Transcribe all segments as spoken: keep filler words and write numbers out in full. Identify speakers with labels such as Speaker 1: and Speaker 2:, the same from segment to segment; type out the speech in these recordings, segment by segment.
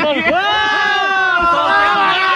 Speaker 1: ว้าวสองแต้ม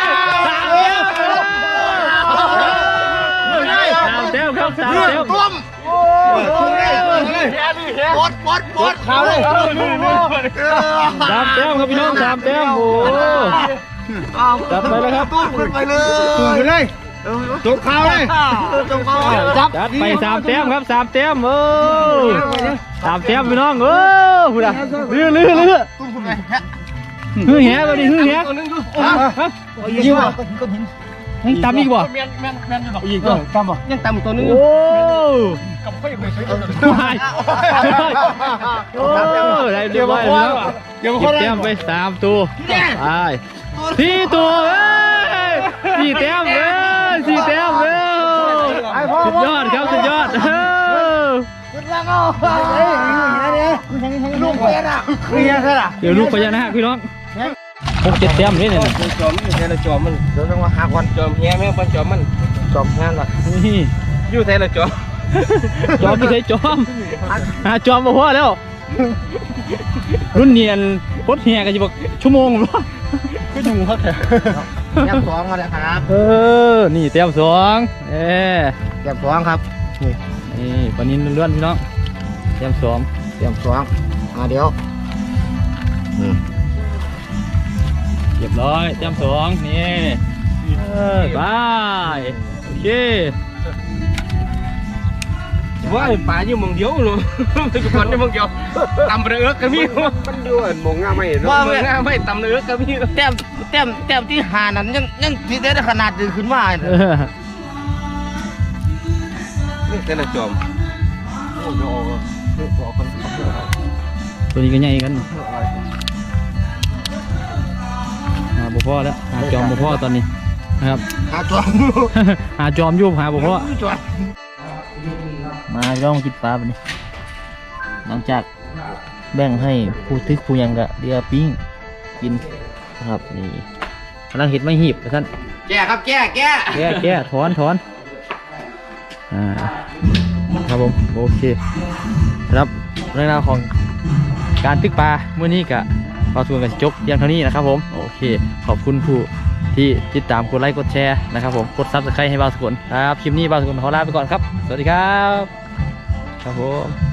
Speaker 1: สามแต้มครับสามแต้ม
Speaker 2: ต้มโอ้ยปดปดปดเขาเลย
Speaker 1: สามแต้มครับพี่น้องสามแต้มโอ้จัดไปเลยครับ
Speaker 2: ตุ้มขึ้นไปเลยตุ้มไปเลยจบเขาเลยจบเขาจับ
Speaker 1: จัดไปสามแต้มครับสามแต้มเออสามแต้มพี่น้องเออพูดอะลื้อลื้อลื้อ
Speaker 2: ตุ้มขึ้นไป
Speaker 1: ฮือแหแบบนี้ฮือแห
Speaker 2: ยิงว่ะ
Speaker 1: ยังตำอีกบ่
Speaker 3: แมนแมนแมนอยู่หรอก
Speaker 2: ยิงก็ตำบ่ยังตำตัวนึง
Speaker 1: โอ้
Speaker 3: กับค่อยไปใช้ตัวนึง
Speaker 1: โอ้ได้เรียบร้อยแล้วเก็บแต้มไปสามตัวไปสี่ตัวเอ้ยสี่แต้มเอ้ยสี่แต้มเอ้ยสุดยอดครับสุดยอด
Speaker 2: ลูกเมียน่ะเมียใช่ล่ะ
Speaker 1: เดี๋ยวลูกพญานาคพี่น้องหกเจ็ดแต้มนี่เนี่ย
Speaker 2: จอมนี่แต่ละจอมมันเดี๋ยวต้องมาหาวันจอมเฮียแม่ปันจอมมันจอมงานละ
Speaker 1: นี่
Speaker 2: อยู่แต่ละจอม
Speaker 1: จอมไม่ใช่จอมหาจอมมาพอแล้ว รุ่นเนียนพดเฮียกันจะบอกชั่วโมงหรอก็อยู่ครับแถว
Speaker 2: แก้มสองมาแล้วครับ
Speaker 1: เออนี่แต้มสองเออ
Speaker 2: แก้มสองครับนี่
Speaker 1: นี่ปานินเลื่อนพี่น้องแต้มสอง
Speaker 2: แก้มสองมาเดี๋ยว
Speaker 1: เรียบร้อยแต้มสองนี่เออบายโอเค
Speaker 2: ว่าป่าอยู่มองเดียวเลยไปกับคนอยู่มองเดียวตำเรือกันพี่มันอยู่มองง่าไม่ว่าไม่ง่าไม่ตำเรือกันพี่แต้มแต้มแต้มที่หานั้นยังยังที่ได้ขนาดดึงขึ้นมา
Speaker 1: เออ
Speaker 2: นี่แต่ละจอมโอ้ยออกกัน
Speaker 1: ตัวนี้ก็ใหญ่กันหาบุพ่อแล้วหาจอมบุพ่อตอนนี้นะครับ
Speaker 2: หาจอม
Speaker 1: หาจอมยุบหาบุพ่อ
Speaker 2: จอม
Speaker 1: มาย่องกินปลาแบบนี้หลังจากแบ่งให้ผู้ทึกผู้ยังกะเดียปิ้งกินนะครับนี่กำลังเห็ดไม่หีบท่าน
Speaker 2: แก้ครับแก้แก้
Speaker 1: แก้แก้ถอนถอนอ่าครับผมโอเคครับเรื่องราวของการตึกปลาเมื่อนี้กะปลาทวนกันจบเพียงเท่านี้นะครับผมโอเคขอบคุณผู้ที่ติดตามกดไลค์กดแชร์นะครับผมกดซับสไครต์ให้บ่าวสกุลครับคลิปนี้บ่าวสกุลขอลาไปก่อนครับสวัสดีครับครับผม